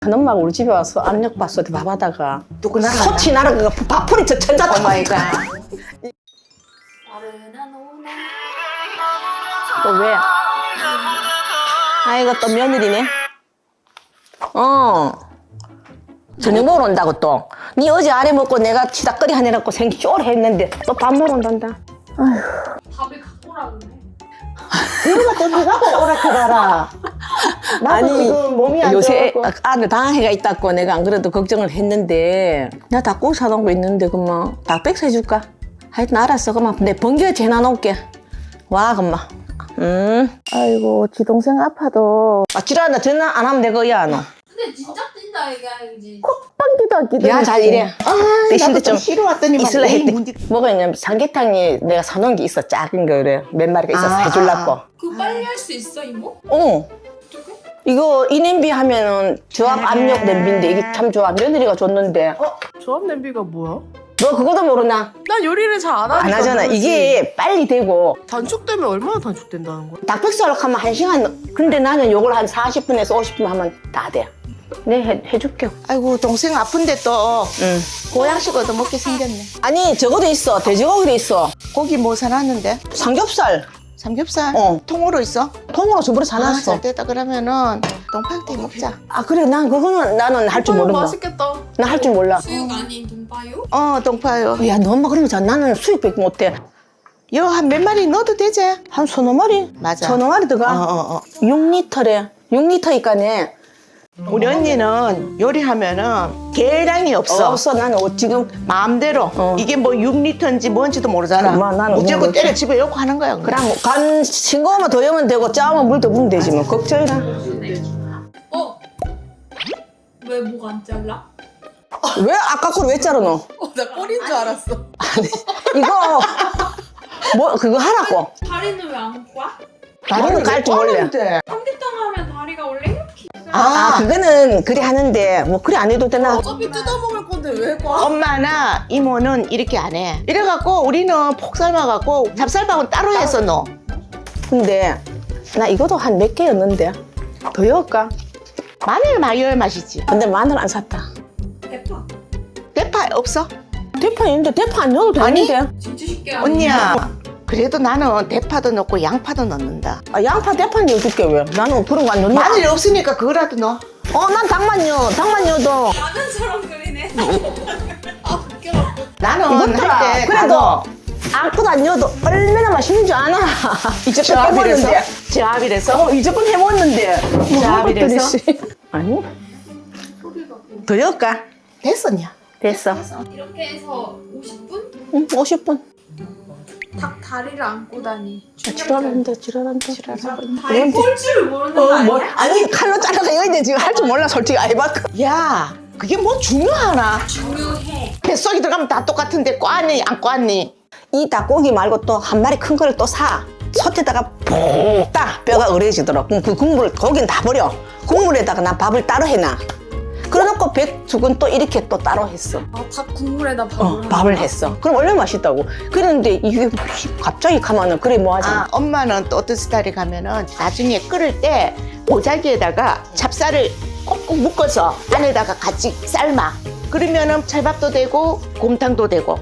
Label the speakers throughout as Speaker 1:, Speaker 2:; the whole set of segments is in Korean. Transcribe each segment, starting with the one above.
Speaker 1: 큰엄마가 우리 집에 와서 압력밥솥에 밥하다가
Speaker 2: 누구 날아갔나?
Speaker 1: 소치 날아가 밥풀이 저 천자
Speaker 2: 오마이갓.
Speaker 1: 또 왜? 아이고 또 며느리네. 저녁 먹으러 온다고 또. 니 어제 아래 먹고 내가 치다거리 하내놓고 생기 쪼를 했는데 또 밥 먹으러 온단다.
Speaker 3: 밥을 갖고 오라고 해.
Speaker 2: 이거가 또 누가 오락해봐라. 나도 지금 몸이 안
Speaker 1: 요새
Speaker 2: 좋아갖고.
Speaker 1: 아들 방학회가 있다고 내가 안 그래도 걱정을 했는데 나 닭고기 사놓은 거 있는데 그만 닭백수 해줄까? 하여튼 알았어 그만 내 번개에 재놔놓을게. 와 그만.
Speaker 2: 아이고 지 동생 아파도
Speaker 1: 아 지랄한다 전화 안 하면 내 거야 너.
Speaker 3: 근데 진짜 뛴다 이게 아니지.
Speaker 2: 빵기도 안 끼도
Speaker 1: 야 잘 이래.
Speaker 2: 나도 좀 쉬러 왔더니 막
Speaker 1: 있을라
Speaker 2: 에이,
Speaker 1: 했대.
Speaker 2: 문제-
Speaker 1: 뭐가 있냐면 삼계탕이 내가 사놓은 게 있어 작은 거 그래 몇 마리가 있어서 해줄라고.
Speaker 3: 그거 빨리 할 수 있어 이모?
Speaker 1: 어떻게? 이거 이 냄비 하면은 저압 압력 냄비인데 이게 참 좋아. 며느리가 줬는데
Speaker 4: 조합 냄비가 뭐야?
Speaker 1: 너 그거도 모르나?
Speaker 4: 난 요리를 잘 안 하니까
Speaker 1: 안 하잖아.
Speaker 4: 모르지.
Speaker 1: 이게 빨리 되고
Speaker 4: 단축되면 얼마나 단축된다는 거야?
Speaker 1: 닭백수 하려고 하면 1시간. 근데 나는 요걸 한 40분에서 50분 하면 다 돼. 네 해줄게.
Speaker 2: 아이고 동생 아픈데 또
Speaker 1: 응.
Speaker 2: 보양식 얻어먹게 생겼네.
Speaker 1: 아니 저거도 있어. 돼지고기도 있어.
Speaker 2: 고기 뭐 사놨는데?
Speaker 1: 삼겹살
Speaker 2: 삼겹살?
Speaker 1: 어.
Speaker 2: 통으로 있어?
Speaker 1: 통으로 저번에 사놨어.
Speaker 2: 잘 됐다. 그러면은 동파육탕 먹자.
Speaker 1: 아 그래 난 그거는 나는 할 줄 모른다.
Speaker 4: 맛있겠다.
Speaker 1: 나 할 줄 몰라.
Speaker 3: 수육 아닌 동파요?
Speaker 2: 동파육.
Speaker 1: 야 너 엄마 그러면 잘 나는 수육밖에 못해.
Speaker 2: 여 한 몇 마리 넣어도 되지?
Speaker 1: 한 서너 마리?
Speaker 2: 맞아.
Speaker 1: 서너 마리 들어가. 6리터래. 6리터니까네.
Speaker 2: 우리 언니는 요리하면은 계량이 없어.
Speaker 1: 없어 나는 지금
Speaker 2: 마음대로. 이게 뭐 6리터인지 뭔지도 모르잖아.
Speaker 1: 엄마, 나는
Speaker 2: 무조건
Speaker 1: 그런
Speaker 2: 때려
Speaker 1: 거지.
Speaker 2: 집에 놓고 하는 거야. 그냥.
Speaker 1: 그냥 간 싱거우면 더 여면 되고 짜면 물 더 부으면 되지 뭐 걱정이라.
Speaker 3: 왜 목 안 잘라?
Speaker 1: 왜 아까 걸 왜 자르 너?
Speaker 4: 나 꼴인 줄 알았어.
Speaker 1: 이거 뭐 그거 하라고.
Speaker 3: 다리는 왜 안 꽈?
Speaker 1: 다리는 깔 줄 몰래.
Speaker 3: 삼계탕 하면 다리가 원래 이렇게 있어.
Speaker 1: 아 그거는 그래 하는데 뭐 그래 안 해도 되나?
Speaker 4: 어차피 뜯어먹을 건데 왜 과?
Speaker 2: 엄마나 이모는 이렇게 안 해. 이래갖고 우리는 폭 삶아갖고 잡쌀밥은 따로 해서 넣어.
Speaker 1: 근데 나 이것도 한 몇 개였는데 더 넣을까?
Speaker 2: 마늘 마요의 맛이지.
Speaker 1: 근데 마늘 안 샀다.
Speaker 3: 대파.
Speaker 2: 대파 없어?
Speaker 1: 대파 있는데 대파 안 넣어도
Speaker 2: 아니.
Speaker 1: 되는데.
Speaker 3: 진짜 쉽게 하네.
Speaker 2: 언니야. 그래도 나는 대파도 넣고 양파도 넣는다.
Speaker 1: 아, 양파 대파 넣어줄게 왜? 나는 그런 거 안 넣는다.
Speaker 2: 마늘이 없으니까 그거라도 넣어.
Speaker 1: 난 닭만 넣어. 닭만 넣어도.
Speaker 3: 라면 사람 그리네. 아 웃겨.
Speaker 2: 나는
Speaker 1: 이것들아,
Speaker 2: 할 때
Speaker 1: 그래도 아무것도 안 넣어도 얼마나 맛있는 줄 아나? 이제껏 해먹었는데.
Speaker 2: 저압이래서?
Speaker 1: 이제껏 해먹었는데.
Speaker 2: 저압이래서?
Speaker 1: 아니. 더 넣을까?
Speaker 2: 됐었냐?
Speaker 1: 됐어.
Speaker 3: 이렇게 해서 50분?
Speaker 1: 응, 50분.
Speaker 3: 닭 다리를 안고 다니.
Speaker 1: 지랄한다.
Speaker 3: 다리 꼴 줄을 모르는 거 아니야?
Speaker 1: 아니, 칼로 잘라서 여기데 지금 할 줄 몰라, 솔직히. 아이바크.
Speaker 2: 야, 그게 뭐 중요하나?
Speaker 3: 중요해.
Speaker 2: 뱃속에 들어가면 다 똑같은데 꽈니 안 꽈니?
Speaker 1: 이 닭고기 말고 또 한 마리 큰 거를 또 사. 솥에다가 푹딱 뼈가 으려지도록. 그럼 그 국물을, 거긴 다 버려. 국물에다가 난 밥을 따로 해놔. 그래놓고 백숙은 또 이렇게 또 따로 했어.
Speaker 3: 닭 국물에다 밥을.
Speaker 1: 밥을 했어. 그럼 얼마나 맛있다고. 그랬는데 이게 갑자기 가면은 그래 뭐하지?
Speaker 2: 엄마는 또 어떤 스타일에 가면은 나중에 끓을 때 보자기에다가 찹쌀을 꼭꼭 묶어서 안에다가 같이 삶아. 그러면은 찰밥도 되고 곰탕도 되고.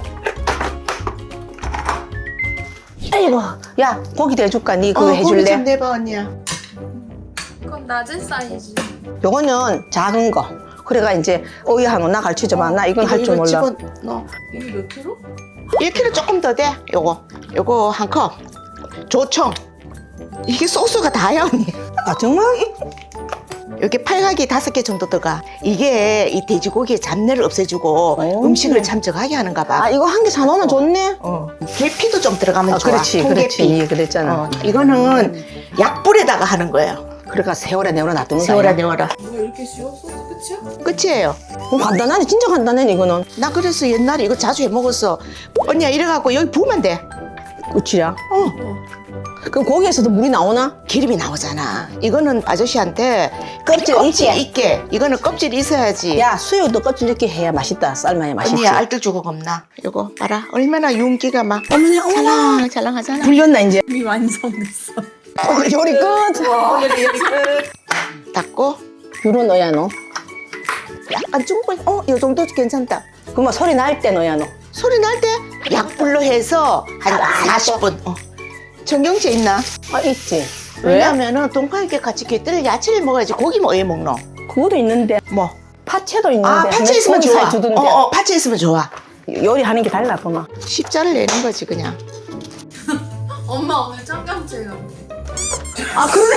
Speaker 1: 아이고, 야 고기 대줄까? 니 그거
Speaker 2: 고기
Speaker 1: 해줄래?
Speaker 2: 좀 내봐 언니야.
Speaker 3: 그건 낮은 사이즈.
Speaker 1: 요거는 작은 거. 그래가 이제 어이하노 나 가르쳐줘봐. 나 이건 할 줄
Speaker 2: 이거
Speaker 1: 몰라.
Speaker 2: 집어넣어.
Speaker 3: 이게 몇 킬로?
Speaker 2: 1kg 조금 더 돼. 요거 한 컵. 조청. 이게 소스가 다야 언니.
Speaker 1: 아 정말?
Speaker 2: 여기 팔각이 5개 정도 들어가. 이게 이 돼지고기의 잡내를 없애주고
Speaker 1: 오.
Speaker 2: 음식을 참 적하게 하는가 봐.
Speaker 1: 아 이거 한 개 사놓으면 좋네.
Speaker 2: 계피도 좀 들어가면 좋아.
Speaker 1: 그렇지,
Speaker 2: 통계피.
Speaker 1: 그렇지. 그랬잖아.
Speaker 2: 이거는 약불에다가 하는 거예요.
Speaker 1: 그러니까 세월에 내월에 놔두는 거야.
Speaker 2: 세월아 내월아.
Speaker 3: 뭐가 이렇게 쉬워? 소스 끝이야?
Speaker 2: 끝이에요.
Speaker 1: 간단하네, 진짜 간단해 이거는.
Speaker 2: 나 그래서 옛날에 이거 자주 해 먹었어. 언니야 이래갖고 여기 부으면 돼.
Speaker 1: 끝이야. 그럼 고기에서도 물이 나오나?
Speaker 2: 기름이 나오잖아. 이거는 아저씨한테
Speaker 1: 껍질 있지?
Speaker 2: 있게. 이거는 껍질이 있어야지.
Speaker 1: 야 수육도 껍질 이렇게 해야 맛있다. 삶아야 맛있지.
Speaker 2: 언니야 알뜰 주고 겁나. 이거 봐라. 얼마나 윤기가 막
Speaker 1: 어머나 어머나.
Speaker 2: 찰랑찰랑하잖아.
Speaker 1: 불렸나 이제?
Speaker 3: 이미 완성됐어.
Speaker 1: 요리 끝.
Speaker 2: 닦고
Speaker 1: 유로 넣어야 너.
Speaker 2: 약간 중분, 요 정도 괜찮다.
Speaker 1: 그러면 소리 날 때 넣어야 너.
Speaker 2: 소리 날 때 약불로 해서 한 40분. 정경채 있나?
Speaker 1: 아, 있지. 왜?
Speaker 2: 왜냐면은 동파육에 같이 게뜰 야채를 먹어야지. 고기 뭐 왜 먹노?
Speaker 1: 그거도 있는데.
Speaker 2: 뭐?
Speaker 1: 파채도 있는데.
Speaker 2: 아, 파채 있으면
Speaker 1: 고기
Speaker 2: 좋아.
Speaker 1: 살 주던데.
Speaker 2: 파채 있으면 좋아.
Speaker 1: 요리하는 게 달라, 그만.
Speaker 2: 십자를 내는 거지 그냥.
Speaker 3: 엄마 오늘 청경채가.
Speaker 1: 아, 그러네.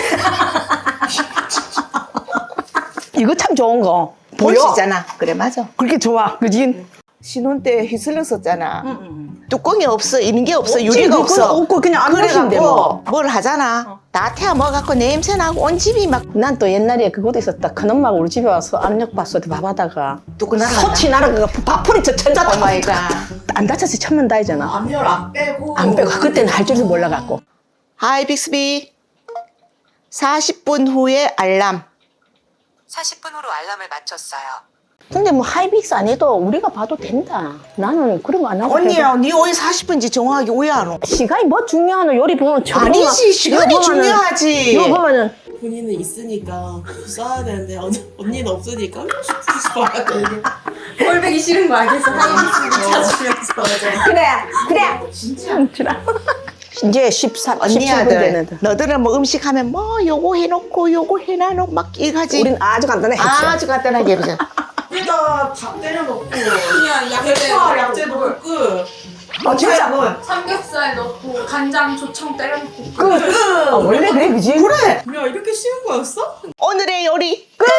Speaker 1: 이거 참 좋은 거. 보여?
Speaker 2: 보이시잖아. 그래 맞아.
Speaker 1: 그렇게 좋아. 그지?
Speaker 2: 신혼 때 휘슬렀었잖아. 뚜껑이 없어, 있는 게 없어,
Speaker 1: 없지,
Speaker 2: 유리가
Speaker 1: 그거
Speaker 2: 없어.
Speaker 1: 없고 그냥 안 마시는데 뭐.
Speaker 2: 뭘 하잖아. 나 태워 먹어갖고 냄새 나고 온 집이 막
Speaker 1: 난 또 옛날에 그것도 있었다. 큰엄마가 우리 집에 와서 압력밥솥에 밥하다가
Speaker 2: 뚜껑 날아간다.
Speaker 1: 소치 날아가 밥풀이 저 천자
Speaker 2: 오 마이 갓.
Speaker 1: 안 다쳐서 천만 다이잖아.
Speaker 4: 압력 안 빼고.
Speaker 1: 안 빼고 그때는 할 줄도 몰라갖고.
Speaker 2: 하이 빅스비. 40분 후에 알람.
Speaker 5: 40분 후로 알람을 맞췄어요.
Speaker 1: 근데 뭐 하이빅스 안 해도 우리가 봐도 된다. 나는 그런 거 안 하고.
Speaker 2: 언니야, 네 오해 40분인지 정확하게 오해 안 오.
Speaker 1: 시간이 뭐 중요하노? 요리 보면
Speaker 2: 아니지, 시간이 중요하지.
Speaker 1: 이거 보면은
Speaker 4: 본인은 있으니까 써야 되는데 언니는 없으니까 써야 되는데.
Speaker 3: 꼴배기 싫은 거 알겠어. 하이비스를 찾으면서.
Speaker 1: 그래. 진짜. 이제 14, 17분
Speaker 2: 언니야들,
Speaker 1: 되는데.
Speaker 2: 너들은 뭐 음식 하면 뭐 요거 해놓고 요거 해놔놓고 막 이거지.
Speaker 1: 우린 아주 간단해. 했죠.
Speaker 2: 아주 간단하게 해보자.
Speaker 4: 여기다 밥 때려놓고
Speaker 3: 그냥 약재
Speaker 4: 대파 약재 넣고 끝.
Speaker 1: 진짜.
Speaker 3: 삼겹살 넣고 간장 조청 때려놓고.
Speaker 1: 원래 그래, 그지?
Speaker 2: 그래.
Speaker 4: 야 이렇게 쉬운 거였어?
Speaker 2: 오늘의 요리 끝.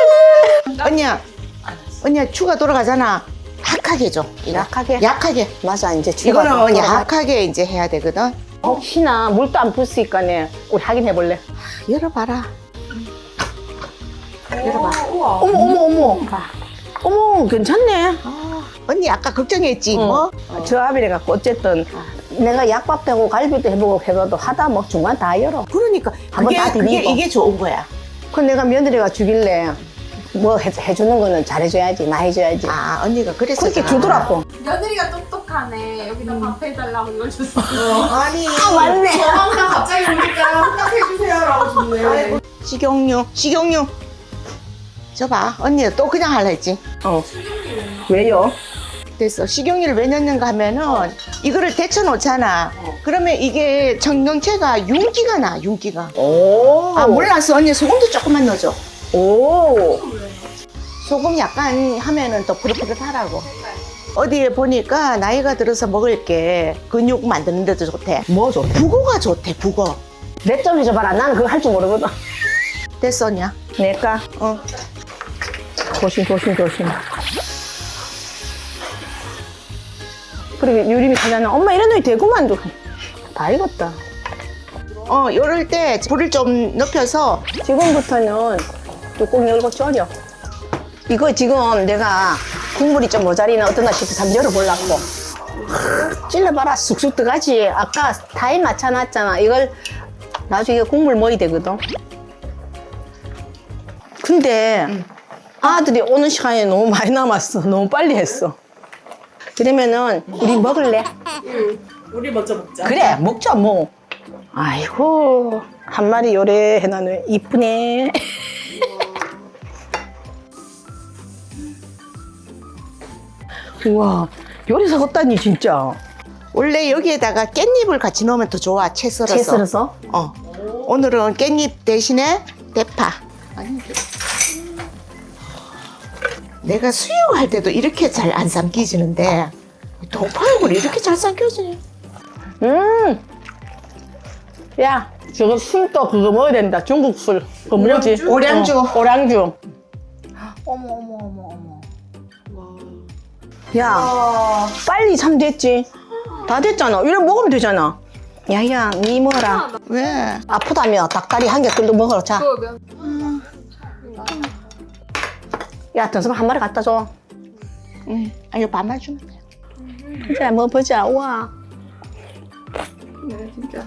Speaker 2: 언니야 추가 돌아가잖아. 약하게 해줘.
Speaker 1: 약하게?
Speaker 2: 약하게.
Speaker 1: 맞아, 이제
Speaker 2: 이거는 약하게 이제 해야 되거든.
Speaker 1: 혹시나 물도 안 불수있까네 우리 확인해 볼래?
Speaker 2: 열어봐라. 열어봐.
Speaker 4: 우와.
Speaker 1: 어머. 어머, 괜찮네.
Speaker 2: 언니 아까 걱정했지 뭐.
Speaker 1: 저 아비래 갖고 어쨌든 내가 약밥도 하고 갈비도 해보고 해봐도 하다 뭐 중간 다 열어.
Speaker 2: 그러니까
Speaker 1: 한번 다
Speaker 2: 그게
Speaker 1: 디비고.
Speaker 2: 이게 좋은 거야.
Speaker 1: 그 내가 며느리가 주길래 뭐 해주는 거는 잘해줘야지, 나 해줘야지.
Speaker 2: 아 언니가 그래서
Speaker 1: 그렇게 주더라고.
Speaker 3: 며느리가 똑똑하네. 여기다 밥 해달라고 이걸 줬어.
Speaker 2: 아니
Speaker 1: 맞네.
Speaker 3: 저 항상 갑자기 오니까 혼납해주세요라고 줬네.
Speaker 2: 식용유. 저봐 언니가 또 그냥 할라 했지.
Speaker 1: 왜요?
Speaker 2: 됐어. 식용유를 왜 넣는가 하면은 이거를 데쳐 놓잖아. 그러면 이게 청경채가 윤기가 나, 윤기가.
Speaker 1: 오.
Speaker 2: 아 몰랐어. 언니 소금도 조금만 넣어줘.
Speaker 1: 오.
Speaker 2: 소금 약간 하면은 더 푸릇푸릇하라고. 어디에 보니까 나이가 들어서 먹을 게 근육 만드는 데도 좋대.
Speaker 1: 뭐 좋대?
Speaker 2: 북어가 좋대, 북어.
Speaker 1: 내 좀 해줘봐라. 나는 그거 할 줄 모르거든.
Speaker 2: 됐어, 언니야.
Speaker 1: 내가 조심. 그리고 유림이 가잖아. 엄마 이런 놈이 되구만. 다 익었다.
Speaker 2: 요럴 때 불을 좀 높여서
Speaker 1: 지금부터는 뚜껑 열고 졸여. 이거 지금 내가 국물이 좀 모자리나 어떠나 싶어서 한번 열어보려고. 찔러봐라. 쑥쑥 들어가지. 아까 타임 맞춰놨잖아. 이걸 나중에 국물 먹어야 되거든. 근데 아들이 오는 시간이 너무 많이 남았어. 너무 빨리 했어. 그러면은 우리 먹을래?
Speaker 4: 우리 먼저 먹자.
Speaker 1: 그래, 먹자 뭐. 아이고, 한 마리 요리해놔는 이쁘네. 우와, 요리사 같다니 진짜.
Speaker 2: 원래 여기에다가 깻잎을 같이 넣으면 더 좋아. 채 썰어서.
Speaker 1: 채 썰어서?
Speaker 2: 오늘은 깻잎 대신에 대파. 아니, 내가 수육할 때도 이렇게 잘 안 삼키지는데 동파육을 이렇게 잘 삼켜지네.
Speaker 1: 야, 저거 술도 그거 먹어야 된다. 중국 술. 그거 뭐지?
Speaker 2: 오량주.
Speaker 1: 오량주.
Speaker 2: 어머.
Speaker 1: 야, 빨리 참 됐지. 다 됐잖아. 이래 먹으면 되잖아. 야야, 니 먹어라.
Speaker 2: 왜?
Speaker 1: 아프다며 닭다리 한 개 끓여 먹어라. 자. 야, 등심 한 마리 갖다 줘.
Speaker 2: 응. 이거 반만 주면 돼.
Speaker 1: 그래, 먹어보자. 우와.
Speaker 3: 진짜.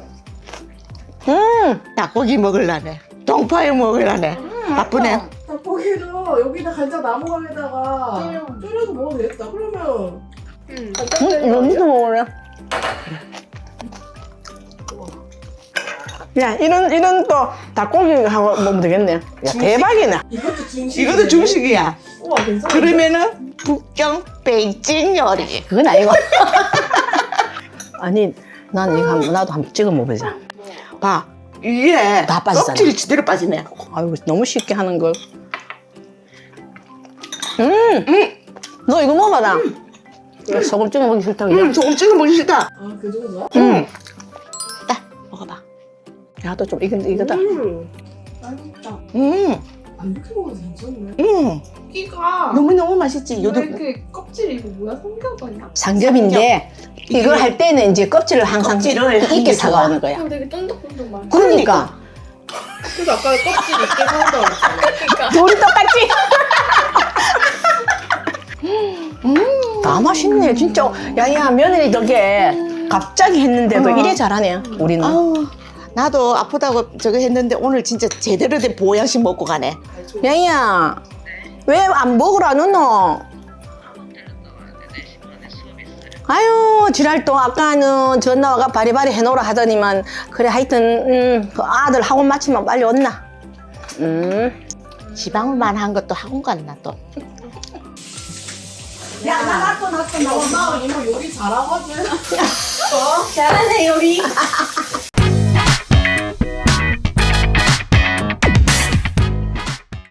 Speaker 2: 닭고기 먹을라네. 동파육 먹을라네. 바쁘네.
Speaker 4: 닭고기도 여기다 간장 나무강에다가 졸여서 먹어도 되겠다. 그러면
Speaker 1: 이거 무슨 먹으래? 야, 이런 또 닭고기 하고 먹으면 되겠네. 야, 대박이네.
Speaker 4: 이것도 중식.
Speaker 2: 이것도 중식이야.
Speaker 4: 우와 괜찮아.
Speaker 2: 그러면은 북경 베이징 요리.
Speaker 1: 그건 아니고. 아니, 난 이거 나도 한번 찍어 먹어보자.
Speaker 2: 봐, 이게
Speaker 1: 다 빠지잖아.
Speaker 2: 껍질이 제대로 빠지네.
Speaker 1: 아이고, 너무 쉽게 하는 걸. 너 이거 먹어봐라. 소금 찍어 먹기 싫다고. 그냥.
Speaker 2: 조금 찍어 먹기 싫다.
Speaker 4: 아 그 정도야?
Speaker 2: 딱 먹어봐.
Speaker 1: 나도 좀 이거다.
Speaker 4: 맛있다. 안 이렇게 먹어도 괜찮네. 끼가
Speaker 2: 너무너무 맛있지.
Speaker 3: 왜
Speaker 2: 요도
Speaker 3: 이렇게 껍질이 이거 뭐야? 삼겹아니야?
Speaker 1: 삼겹인데 이걸 할 때는 이제 껍질을 항상
Speaker 2: 껍질을 하는
Speaker 1: 있게
Speaker 2: 게
Speaker 1: 사가오는 거야.
Speaker 3: 그럼 되게 쫀득쫀득 맛.
Speaker 1: 그러니까
Speaker 4: 그래서 아까 껍질 있게 사온다고 그랬잖아.
Speaker 1: 둘이 똑같지? 다 맛있네 진짜. 야야 며느리 덕에 갑자기 했는데도 이래 잘하네 우리는.
Speaker 2: 아우, 나도 아프다고 저거 했는데 오늘 진짜 제대로 된 보양식 먹고 가네.
Speaker 1: 야야 왜 안 먹으라 너너? 아유 지랄 또 아까는 전화와가 바리바리 해놓으라 하더니만 그래 하여튼 그 아들 학원 마치면 빨리 온나.
Speaker 2: 지방만 한 것도 학원 갔나 또.
Speaker 4: 야, 나 엄마 이모 요리 잘하거든.
Speaker 1: 잘하네 요리.